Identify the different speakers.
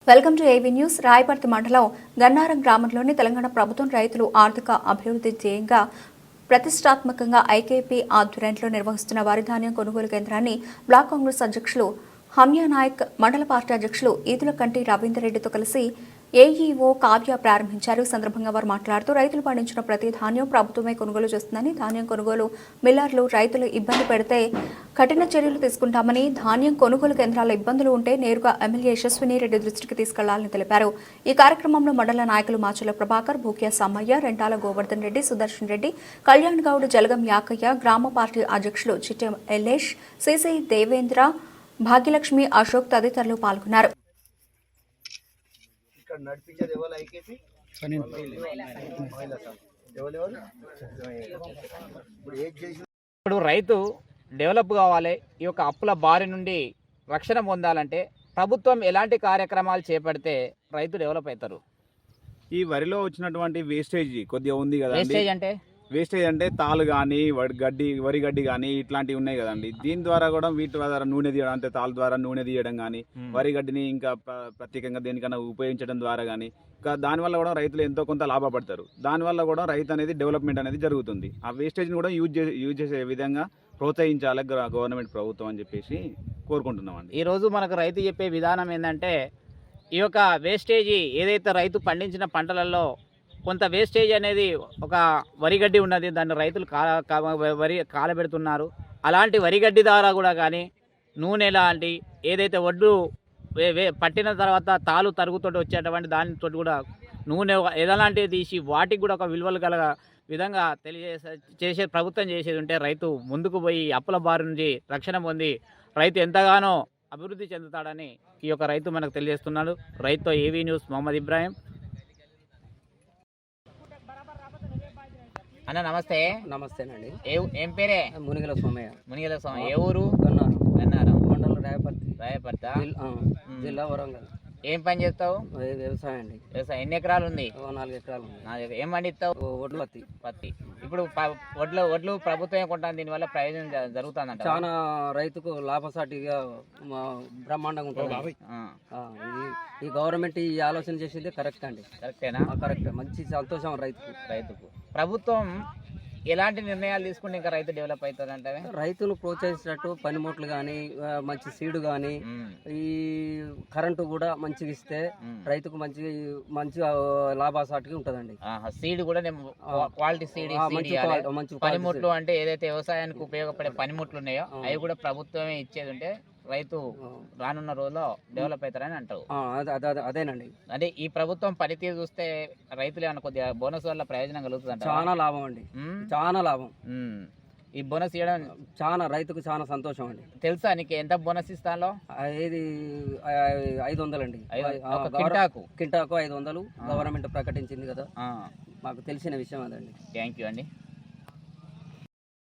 Speaker 1: Welcome to AV news. Rayaparthi మండలం గన్నారం గ్రామంలోని తెలంగాణ ప్రభుత్వం రైతులు ఆర్థిక అభివృద్ధి ధ్యేయంగా ప్రతిష్టాత్మకంగా ఐకేపీ ఆధ్వర్యంలో నిర్వహిస్తున్న వరి ధాన్యం కొనుగోలు కేంద్రాన్ని బ్లాక్ కాంగ్రెస్ అధ్యక్షులు హమ్యా నాయక్, మండల పార్టీ అధ్యక్షులు ఈదులకంటి రవీందర్ రెడ్డితో కలిసి ఏఈఓ కావ్య ప్రారంభించారు. సందర్భంగా వారు మాట్లాడుతూ రైతులు పండించిన ప్రతి ధాన్యం ప్రభుత్వమే కొనుగోలు చేస్తుందని, ధాన్యం కొనుగోలు మిల్లర్లు రైతులు ఇబ్బంది పెడితే కఠిన చర్యలు తీసుకుంటామని, ధాన్యం కొనుగోలు కేంద్రాల ఇబ్బందులు ఉంటే నేరుగా ఎమ్మెల్యే యశస్విని రెడ్డి దృష్టికి తీసుకెళ్లాలని తెలిపారు. ఈ కార్యక్రమంలో మండల నాయకులు మాచుల ప్రభాకర్, భూక్యా సమ్మయ్య, రెంటాల గోవర్ధన్ రెడ్డి, సుదర్శన్ రెడ్డి, కళ్యాణ్ గౌడ్, జలగం యాకయ్య, గ్రామ పార్టీ అధ్యక్షులు చిట్టెం ఎల్లేష్, సిసి దేవేంద్ర, భాగ్యలక్ష్మి, అశోక్ తదితరులు పాల్గొన్నారు.
Speaker 2: ఇప్పుడు రైతు డెవలప్ కావాలి, ఈ యొక్క అప్పుల బారి నుండి రక్షణ పొందాలంటే ప్రభుత్వం ఎలాంటి కార్యక్రమాలు చేపడితే రైతు డెవలప్ అవుతారు?
Speaker 3: ఈ వరిలో వచ్చినటువంటి వేస్టేజ్ కొద్దిగా ఉంది కదా.
Speaker 2: వేస్టేజ్ అంటే
Speaker 3: తాలు కానీ వరి గడ్డి కానీ ఇట్లాంటివి ఉన్నాయి కదండి. దీని ద్వారా కూడా వీటి ద్వారా నూనె తీయడం, అంటే తాళ్ళ ద్వారా నూనె తీయడం కానీ, వరి గడ్డిని ఇంకా ప్రత్యేకంగా దేనికన్నా ఉపయోగించడం ద్వారా కానీ, ఇంకా దానివల్ల కూడా రైతులు ఎంతో కొంత లాభపడతారు. దానివల్ల కూడా రైతు అనేది డెవలప్మెంట్ అనేది జరుగుతుంది. ఆ వేస్టేజ్ని కూడా యూజ్ చేసే విధంగా ప్రోత్సహించాలి గవర్నమెంట్ ప్రభుత్వం అని చెప్పేసి కోరుకుంటున్నామండి.
Speaker 2: ఈరోజు మనకు రైతు చెప్పే విధానం ఏంటంటే, ఈ యొక్క వేస్టేజీ ఏదైతే రైతు పండించిన పంటలలో కొంత వేస్టేజ్ అనేది ఒక వరిగడ్డి ఉన్నది, దాన్ని రైతులు వరి కాలబెడుతున్నారు. అలాంటి వరిగడ్డి ద్వారా కూడా కానీ నూనె లాంటి ఏదైతే వడ్లు పట్టిన తర్వాత తాలు తరుగుతోటి వచ్చేటువంటి దానితో కూడా నూనె ఎలాంటివి తీసి వాటికి కూడా ఒక విలువలు గల విధంగా చేసే ప్రభుత్వం చేసేది ఉంటే రైతు ముందుకు పోయి అప్పుల బారి నుంచి రక్షణ పొంది రైతు ఎంతగానో అభివృద్ధి చెందుతాడని ఈ యొక్క రైతు మనకు తెలియజేస్తున్నాడు. రైతుతో ఏవీ న్యూస్ మొహమ్మద్ ఇబ్రాహిం. అన్న నమస్తే.
Speaker 4: నమస్తేనండి.
Speaker 2: ఏం పేరే?
Speaker 4: మునిగల స్వామయ్య.
Speaker 2: మునిగల స్వామి. ఏ ఊరు?
Speaker 4: గన్నారం మండలం
Speaker 2: రాయపర్తి,
Speaker 4: జిల్లా వరంగల్.
Speaker 2: ఏం పని చేస్తావు?
Speaker 4: వ్యవసాయం అండి.
Speaker 2: వ్యవసాయం. ఎన్ని ఎకరాలు ఉంది?
Speaker 4: 4 ఎకరాలు ఉంది.
Speaker 2: ఏం పండిస్తావు?
Speaker 4: వడ్లు,
Speaker 2: పత్తి. ఇప్పుడు వడ్లు ప్రభుత్వం కొంటాను, దీనివల్ల ప్రయోజనం జరుగుతుందంట.
Speaker 4: చాలా రైతుకు లాభసాటిగా బ్రహ్మాండంగా ఉంటుంది. ఈ గవర్నమెంట్ ఈ ఆలోచన చేసింది కరెక్ట్ అండి.
Speaker 2: కరెక్టేనా?
Speaker 4: కరెక్ట్. మంచి సంతోషం రైతుకు.
Speaker 2: ప్రభుత్వం ఎలాంటి నిర్ణయాలు తీసుకుంటే ఇంకా రైతు డెవలప్ అవుతుంది అంటే?
Speaker 4: రైతును ప్రోత్సహించినట్టు పనిముట్లు కానీ, మంచి సీడు కానీ, ఈ కరెంటు కూడా మంచిగా ఇస్తే రైతుకు మంచి లాభసాటిగా ఉంటుందండి.
Speaker 2: సీడ్ కూడా క్వాలిటీ సీడ్, మంచి పనిముట్లు అంటే ఏదైతే వ్యవసాయానికి ఉపయోగపడే పనిముట్లు ఉన్నాయో అవి కూడా ప్రభుత్వమే ఇచ్చేది ఉంటే రైతు రానున్న రోజుల్లో డెవలప్ అవుతారని అంటారు.
Speaker 4: అదేనండి.
Speaker 2: అంటే ఈ ప్రభుత్వం పనితీరు చూస్తే రైతులు ఏమన్నా కొద్దిగా బోనస్ వల్ల ప్రయోజనం కలుగుతుంది?
Speaker 4: చాలా లాభం అండి, చాలా లాభం.
Speaker 2: ఈ బోనస్ ఇవ్వడం
Speaker 4: చాలా రైతుకు చాలా సంతోషం అండి.
Speaker 2: తెలుసా నీకు ఎంత బోనస్ ఇస్తాలో?
Speaker 4: ఏది 500 అండి.
Speaker 2: కింటాకు
Speaker 4: 500 గవర్నమెంట్ ప్రకటించింది కదా, మాకు తెలిసిన విషయం అదండి.
Speaker 2: థ్యాంక్ యూ అండి.